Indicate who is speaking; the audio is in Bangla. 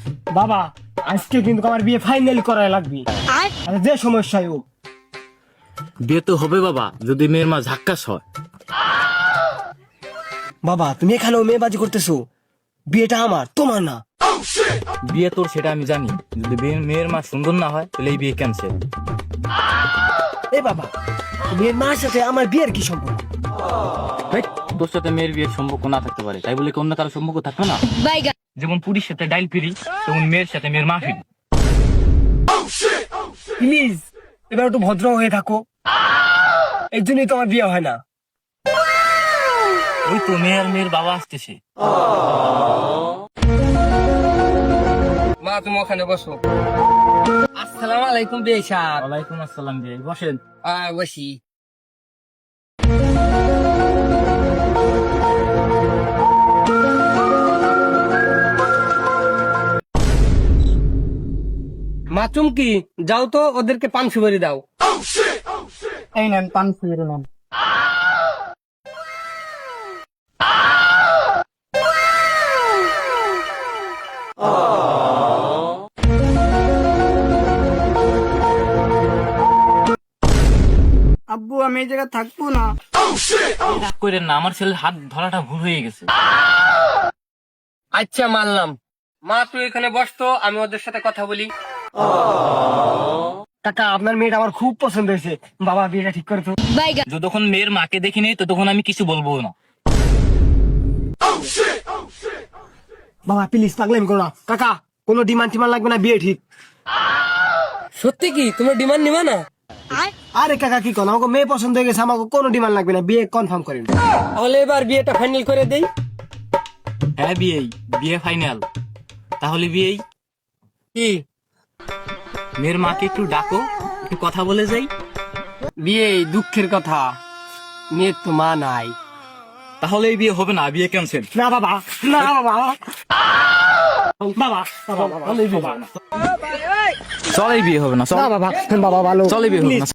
Speaker 1: বাবা আজকে কিন্তু আমার বিয়ে ফাইনাল করাই লাগবে, আর যে সমস্যাই হোক।
Speaker 2: বিয়ে তো হবে বাবা, যদি মেয়ের মা ঝাক্কাস হয়।
Speaker 1: বাবা তুমি এখানেও মেয়েবাজি করতেছো, বিয়েটা আমার, তোমার না।
Speaker 2: বিয়ে তোর সেটা আমি জানি, যদি মেয়ের মা সুন্দর না হয় তাহলে এই বিয়ে ক্যান্সেল।
Speaker 1: এ বাবা, মেয়ের মার সাথে আমার বিয়ের কি সম্পর্ক?
Speaker 2: তোর সাথে মেয়ের বিয়ের সম্পর্ক না থাকতে পারে, তাই বলে কি অন্য কারো সম্পর্ক থাকবে না? যেমন পুরীর সাথে ডাইল ফিরি, তেমন মেয়ের সাথে মেয়ের মা ফিরি।
Speaker 1: প্লিজ এবার একটু ভদ্র হয়ে থাকো, এই জন্যই তোমার বিয়ে হয় না।
Speaker 2: ওই তো মেয়ের মেয়ের বাবা আসতেছে।
Speaker 1: মা তুমি ওখানে বসো। আসসালামু আলাইকুম বিয়ে সাহেব।
Speaker 2: ওয়ালাইকুম আসসালাম বিয়ে, বসেন।
Speaker 1: বসি। মা চুমকি, যাও তো ওদেরকে পান সুপারি দাও।
Speaker 3: এই নেন পান সুপারি নেন। আব্বু আমি এই জায়গায় থাকবো না।
Speaker 2: রাগ করেন না, আমার ছেলের হাত ধরাটা ভুল হয়ে গেছে।
Speaker 1: আচ্ছা মানলাম। মা তুই এখানে বসতো, আমি ওদের সাথে কথা বলি। কাকা আপনার মেয়েটা আমার খুব পছন্দ হয়েছে, বাবা বিয়েটা ঠিক করে তো।
Speaker 2: যতক্ষণ মেয়ের মাকে দেখিনি ততক্ষণ আমি কিছু বলবো না।
Speaker 1: বাবা প্লিজ পাগলামি করো না। কাকা কোনো ডিমান্ড টিমান্ড লাগবে না, বিয়ে ঠিক। সত্যি কি তোমার ডিমান্ড নিবা না? আরে কাকা কি কোন, আমাকে মেয়ে পছন্দ হয়ে গেছে, আমাকে কোনো ডিমান্ড লাগবে না, বিয়ে কনফার্ম করেন। তাহলে এবার বিয়েটা ফাইনাল করে দেই।
Speaker 2: হ্যাঁ বিয়ে ফাইনাল। তাহলে বিয়েই
Speaker 1: কি?
Speaker 2: মেয়ের মাকে একটু ডাকো, একটু কথা বলে যাই।
Speaker 1: বিয়ে দুঃখের কথা, মেয়ের তো মা নাই।
Speaker 2: তাহলে এই বিয়ে হবে না, বিয়ে ক্যান্সেল।
Speaker 1: না বাবা, না বাবা, বাবা, বাবা,
Speaker 2: চল এই বিয়ে হবে না, চল।
Speaker 1: না বাবা, বাবা ভালো,
Speaker 2: চল এই বিয়ে হবে না।